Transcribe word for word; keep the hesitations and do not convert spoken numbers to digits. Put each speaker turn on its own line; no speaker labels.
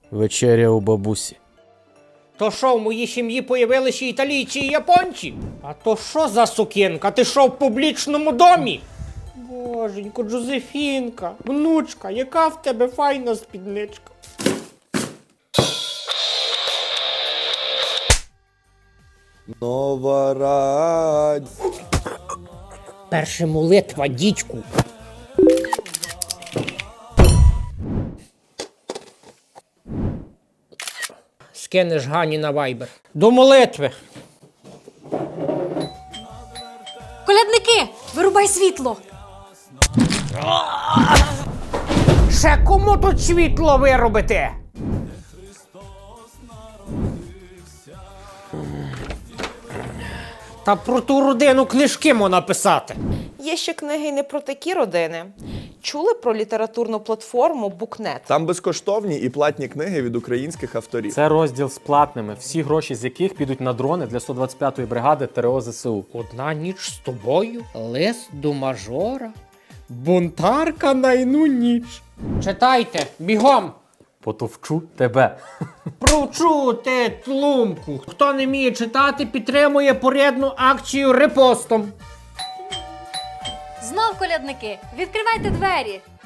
Вечеря у бабусі.
То що, в моїй сім'ї появилися італійці і японці? А то що за сукінка? Ти що, в публічному домі? Боженько, Джозефінка, внучка, яка в тебе файна спідничка.
Нова радь.
Перша молитва, дідьку. Скинеш Гані на вайбер. До молитви.
Колядники, вирубай світло.
Ще кому тут світло виробити? Та про ту родину книжки можна писати.
Є ще книги й не про такі родини. Чули про літературну платформу Букнет?
Там безкоштовні і платні книги від українських авторів.
Це розділ з платними, всі гроші з яких підуть на дрони для сто двадцять п'ятої бригади ТРО ЗСУ.
Одна ніч з тобою, лист до мажора, бунтарка на іну ніч. Читайте, бігом!
Потовчу тебе.
Провчу ти тлумку. Хто не вміє читати, підтримує порядну акцію репостом.
Знов колядники, відкривайте двері.